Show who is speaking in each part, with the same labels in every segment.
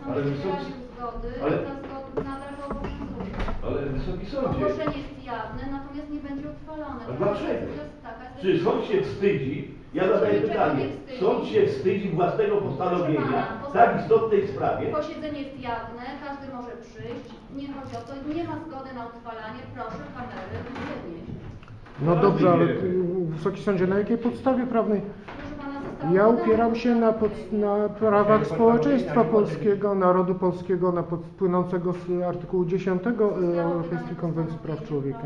Speaker 1: Ale
Speaker 2: nie
Speaker 1: wysoki...
Speaker 2: wyraził zgody,
Speaker 1: Ale...
Speaker 2: ta zgoda nadal obowiązuje.
Speaker 1: Ale Wysoki Sądzie...
Speaker 2: Ogłoszenie jest jawne, natomiast nie będzie uchwalone.
Speaker 1: A dlaczego?
Speaker 2: Taka jest
Speaker 1: Czy sąd się wstydzi? Ja zadaję pytanie. Sąd się wstydzi własnego postanowienia w tak istotnej sprawie?
Speaker 2: Posiedzenie jest jawne, każdy może przyjść. Nie chodzi o to, nie ma zgody na uchwalanie. Proszę kamery wynieść.
Speaker 3: No dobrze, ale Wysoki Sądzie, na jakiej podstawie prawnej? Ja upieram się na prawach społeczeństwa polskiego, narodu polskiego, płynącego z artykułu 10 Europejskiej Konwencji Praw Człowieka.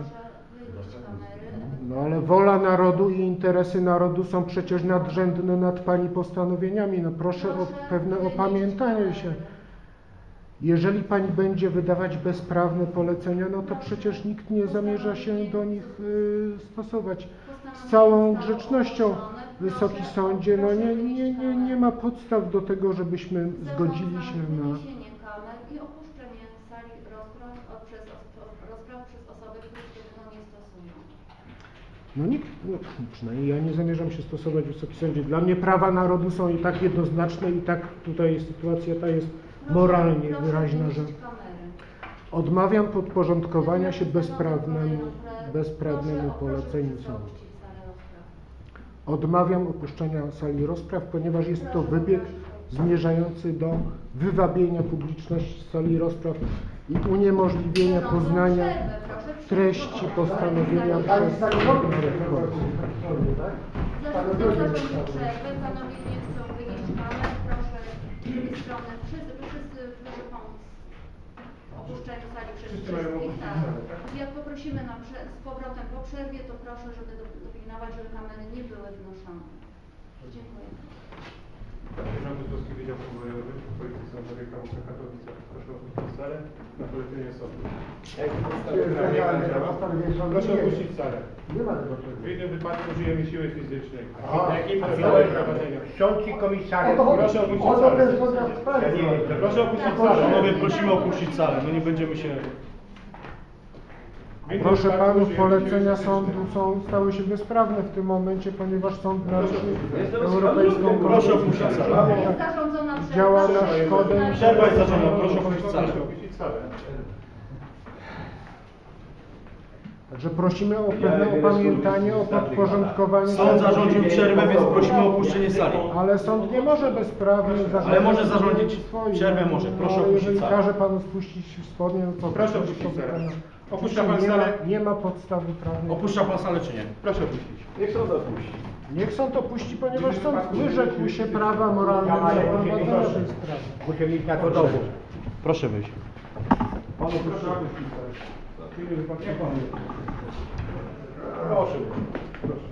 Speaker 3: No ale wola narodu i interesy narodu są przecież nadrzędne nad Pani postanowieniami. No proszę o pewne opamiętanie się. Jeżeli Pani będzie wydawać bezprawne polecenia, no to przecież nikt nie zamierza się do nich stosować. Z całą grzecznością, Wysoki Sądzie, no nie ma podstaw do tego, żebyśmy zgodzili się na...
Speaker 2: i opuszczenie sali rozpraw przez osoby, które się do tego nie stosują.
Speaker 3: No nikt, no, przynajmniej ja nie zamierzam się stosować, Wysoki Sądzie. Dla mnie prawa narodu są i tak jednoznaczne i tak tutaj sytuacja ta jest moralnie wyraźna, że odmawiam podporządkowania się bezprawnemu poleceniu sądu. Odmawiam opuszczenia sali rozpraw, ponieważ jest to wybieg zmierzający do wywabienia publiczności z sali rozpraw i uniemożliwienia poznania treści postanowienia przez Trybunał Konstytucyjny.
Speaker 2: Panowie nie chcą wynieść kamer, proszę z drugiej strony, wszyscy proszę pomóc w opuszczeniu sali przez wszystkich. Tak. Jak poprosimy z powrotem po przerwie, to proszę, żeby dopilnować, żeby kamery nie były wnoszone. Dziękuję.
Speaker 4: Zarząd Wojewódzki Wydział Pobojowy Policji Sądowej KWK Katowice. Proszę opuścić salę na polecenie sądu. Proszę opuścić salę.
Speaker 3: Nie ma tego.
Speaker 4: W innym wypadku użyjemy siły fizycznej.
Speaker 5: Sąd i komisariat.
Speaker 4: Proszę opuścić salę. Proszę opuścić salę.
Speaker 6: Panowie, prosimy opuścić salę, no nie będziemy się...
Speaker 3: Proszę Panów, polecenia sądu stały się bezprawne w tym momencie, ponieważ sąd naruszył Europejską
Speaker 6: Proszę opuścić salę.
Speaker 3: działa na szkodę.
Speaker 6: Przerwa jest zarządzona, proszę opuścić salę.
Speaker 3: Także prosimy o pewne opamiętanie, o podporządkowanie.
Speaker 6: Sąd zarządził przerwę, więc prosimy o opuszczenie sali.
Speaker 3: Ale sąd nie może bezprawnie zarządzić.
Speaker 6: Ale może zarządzić przerwę, może. Proszę opuścić
Speaker 3: jeżeli
Speaker 6: salę.
Speaker 3: każe Panu spuścić spodnie, to
Speaker 4: Proszę opuścić salę. Opuszcza Pan salę?
Speaker 3: Nie ma podstawy prawnej.
Speaker 6: Opuszcza Pan salę czy nie?
Speaker 4: Proszę opuścić.
Speaker 1: Niech sąd opuści.
Speaker 3: Niech sąd opuści, ponieważ sąd wyrzekł się prawa moralnego prowadzenia tej sprawy.
Speaker 5: Muszę mieć na to dowód.
Speaker 6: Proszę wyjść.
Speaker 4: Panu proszę opuścić salę. W innym wypadku nie Pan. Proszę. Proszę.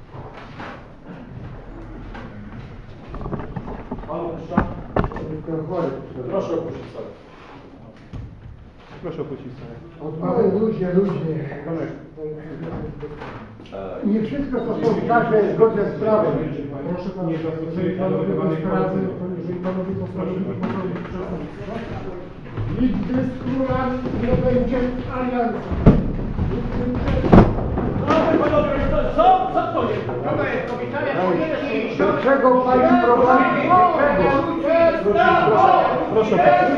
Speaker 6: Pan opuszcza? Proszę opuścić salę.
Speaker 4: Proszę opuścić salę.
Speaker 5: Ludzie. Nie wszystko to są takie zgodne z prawem.
Speaker 3: Proszę Pana, jeżeli Panowie bezprawny, jeżeli Panowie postawili popełnić przestępstwo,
Speaker 5: Nigdy z królami nie będzie aliancji. Do czego Pani prowadzi?
Speaker 6: Proszę.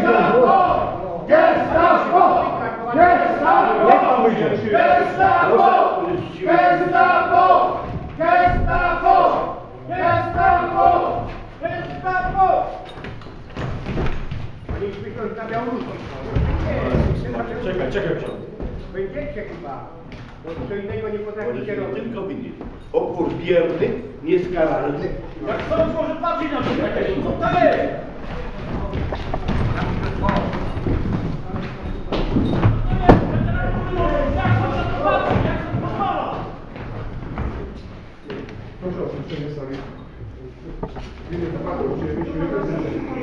Speaker 5: Gestapo! Gestapo!
Speaker 6: Niech Pan wyjdzie.
Speaker 5: Gestapo! Gestapo! Gestapo! Gestapo! Gestapo! Panie inspektorze, na Białorusi.
Speaker 6: Czekaj ksiądz.
Speaker 5: Będziecie chyba. Bo co innego nie potraficie
Speaker 1: Możecie
Speaker 5: robić.
Speaker 1: tylko widzieć. Opór bierny, nieskaralny.
Speaker 6: Jak sąd może patrzeć na to, co to jest?